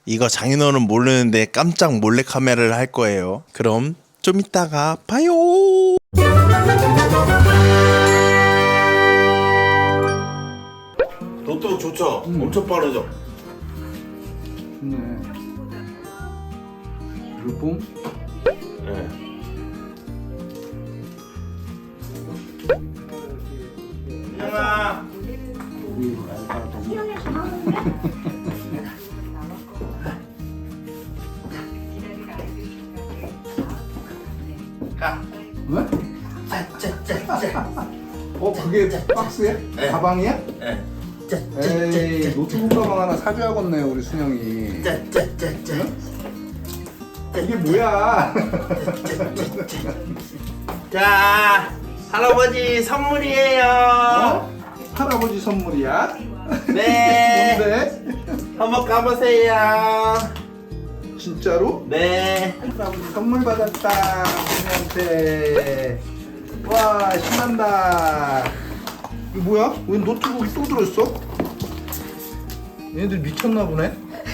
이거 장인어른 모르는데 깜짝 몰래카메라를 할 거예요. 그럼 좀 이따가 봐요. 노트북 좋죠? 엄청 빠르죠? 좋네. 르봉? 네. 형아. 위로 알바 동. 가. 왜? 짜짜짜짜. 그게 박스야? 네. 가방이야? 네. 에이, 노트북 가방 하나 사줘야겠네 우리 순영이. 짜짜짜짜. 이게 뭐야? 자, 할아버지 선물이에요. 어? 할아버지 선물이야? 네. 뭔데? 한번 까보세요. 진짜로? 네. 할아버지 선물 받았다 순영한테. 와 신난다. 이거 뭐야? 왜 노트북이 또 들어있어? 얘네들 미쳤나 보네?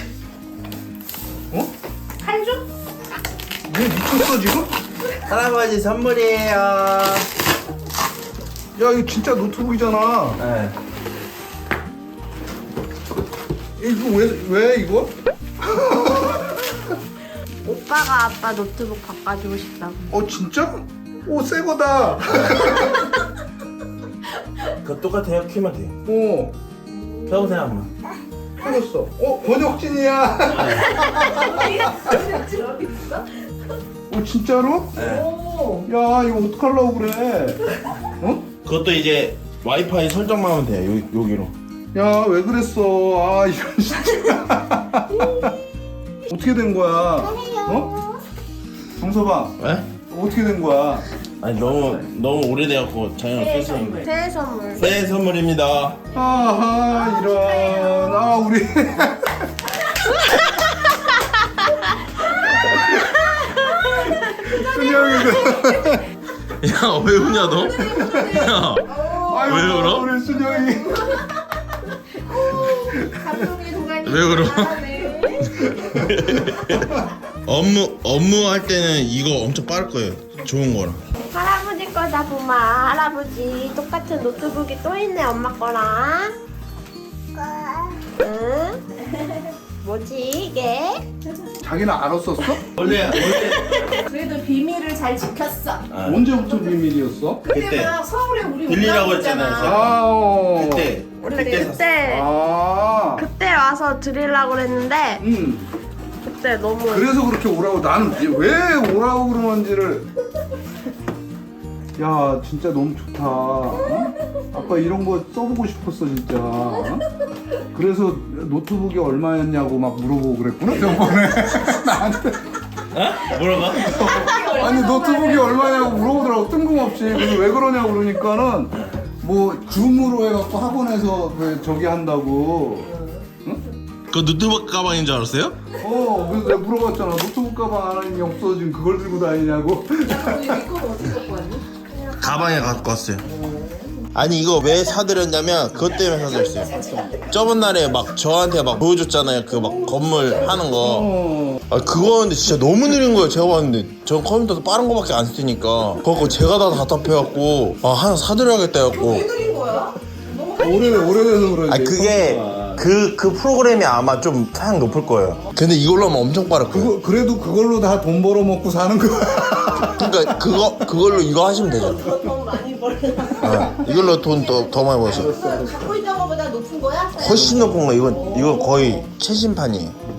어? 한주? 얘 미쳤어 지금? 할아버지 선물이에요. 야 이거 진짜 노트북이잖아. 네. 이거 왜 이거? 오빠가 아빠 노트북 바꿔주고 싶다고. 진짜? 새 거다. 그거 똑같아요. 키면 돼요. 켜보세요 한번. 해줬어. 번역진이야. 진짜로? 네. 야 이거 어떡하려고 그래? 그것도 이제 와이파이 설정만 하면 돼요. 여기로. 야 왜 그랬어? 이건 진짜. 어떻게 된 거야? 정서봐. 네? 어떻게 된 거야? 아니 너무 오래돼갖고 자연을 뺐었는데. 새해 선물. 새해 선물입니다. 아하 이런. 우리. 순영이가. 야 왜 우냐 너? 야. 아이고, 왜 울어? 우리 순영이. 감동의 동안이. 왜 울어? 업무할 때는 이거 엄청 빠를 거예요. 좋은 거라. 할아버지 거다 보마. 할아버지 똑같은 노트북이 또 있네 엄마 거랑. 응? 뭐지 이게? 자기는 알았었어? 원래 그래도 비밀을 잘 지켰어. 언제부터 비밀이었어? 그때 막 서울에 우리 들리라고 올라오잖아. 했잖아요. 그때 원래 그때 샀어. 그때 와서 드리려고 그랬는데 그때 너무 그래서 그렇게 오라고. 나는 왜 오라고 그러는지를. 야 진짜 너무 좋다. 아빠 이런 거 써보고 싶었어 진짜. 그래서 노트북이 얼마였냐고 막 물어보고 그랬구나 저번에. 나한테. 어? 뭐라고? 아니 노트북이 얼마냐고 물어보더라고 뜬금없이. 그래서 왜 그러냐고 그러니까는 뭐 줌으로 해갖고 학원에서 그 저기 한다고. 그 노트북 가방인 줄 알았어요? 그래서 내가 물어봤잖아. 노트북 가방 하나님이 없어진 그걸 들고 다니냐고. 가방에 갖고 왔어요. 아니 이거 왜 사드렸냐면 그것 때문에 사드렸어요. 저번 날에 막 저한테 막 보여줬잖아요. 그 막 건물 하는 거. 그거 하는데 진짜 너무 느린 거예요. 제가 봤는데 전 컴퓨터도 빠른 거밖에 안 쓰니까 그거 제가 다 답답해갖고 하나 사드려야겠다 해갖고. 오래돼서 그러지. 아니 그게 그 프로그램이 아마 좀 사양 높을 거예요. 근데 이걸로 하면 엄청 빠를 거예요. 그래도 그걸로 다 돈 벌어 먹고 사는 거야. 그러니까 그걸로 이거 하시면 되죠. 돈 많이 벌어. 이걸로 돈 더 많이 버셔. 갖고 있던 거보다 높은 거야? 훨씬 높은 거. 이건 거의 최신판이에요.